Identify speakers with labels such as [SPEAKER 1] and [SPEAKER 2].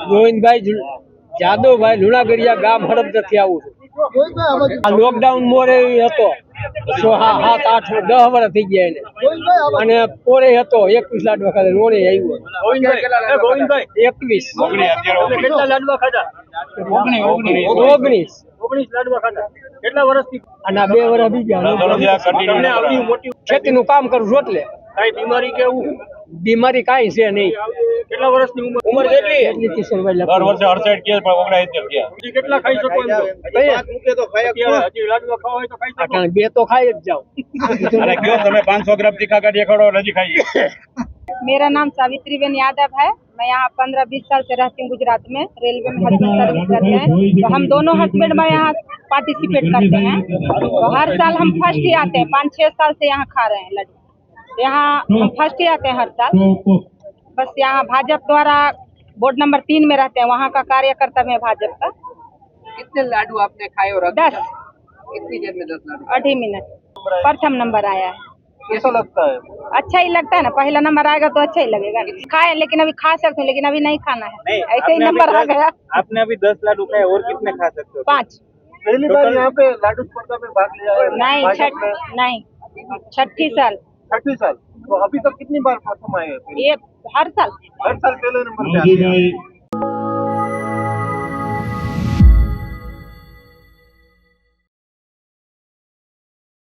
[SPEAKER 1] ગોવિંદભાઈ જાદવભાઈ લુણાગરિયા ગામ હડપથી આવું છું। આ લોકડાઉન મોરે હતો 7-8-10 વર્ષ થઈ ગયા એને, અને પોરે હતો 21 લાડવા ખાધા, રોણે આવ્યો 21
[SPEAKER 2] કેટલા લાડવા ખાધા?
[SPEAKER 1] 19
[SPEAKER 2] લાડવા ખાધા। કેટલા વર્ષથી?
[SPEAKER 1] અને 2 વર્ષ બીજા ખેતીનું કામ કરું છું એટલે
[SPEAKER 2] કઈ બીમારી કે એવું?
[SPEAKER 1] બીમારી કાંઈ છે નહીં।
[SPEAKER 2] કેટલા વર્ષની ઉંમર કેટલી?
[SPEAKER 1] એટલી કિશોરભાઈ
[SPEAKER 3] દર વર્ષે 68 કે પણ 69 કે
[SPEAKER 2] હજી કેટલા ખાઈ શકો એમ છો? હજી લાડવા ખાવા હોય તો ખાઈ શકો।
[SPEAKER 1] અટાણે 2 તો ખાઈ જ જાઓ।
[SPEAKER 3] અને કયો તમે 500 ગ્રામ તીખા કાઢી ખડો નજી ખાઈએ।
[SPEAKER 4] मेरा नाम सावित्री बेन यादव है। मैं यहाँ 15-20 साल से रहती हूँ गुजरात में, रेलवे में हस्बैंड सर्विस करते हैं। तो हम दोनों हस्बैंड में यहाँ पार्टिसिपेट करते हैं। तो हर साल हम फर्स्ट ही आते हैं, 5-6 साल से यहाँ खा रहे हैं लड्डू। यहाँ हम फर्स्ट ही आते हैं हर साल। बस यहाँ भाजपा द्वारा बोर्ड नंबर 3 में रहते हैं, वहाँ का कार्यकर्ता में भाजपा का।
[SPEAKER 5] कितने लाडू आपने खाए? और
[SPEAKER 4] 10
[SPEAKER 5] कितनी देर में 10 लाडू?
[SPEAKER 4] 2.5 मिनट प्रथम नंबर आया है।
[SPEAKER 2] कैसा लगता है?
[SPEAKER 4] अच्छा ही लगता है ना, पहला नंबर आएगा तो अच्छा ही लगेगा। खाए लेकिन अभी खा सकते हैं, लेकिन अभी नहीं खाना है, ऐसे ही नंबर आ गया।
[SPEAKER 2] आपने अभी 10 लाडू खाए, और कितने खा सकते हो?
[SPEAKER 4] 5
[SPEAKER 2] पहली बार यहाँ पे लाडू स्पर्धा में भाग लिया है?
[SPEAKER 4] नहीं, छठी साल।
[SPEAKER 2] 6वीं साल। तो अभी तक कितनी बार प्रथम आए हैं?
[SPEAKER 4] ये हर साल
[SPEAKER 2] हर साल पहले नंबर पे आते हैं।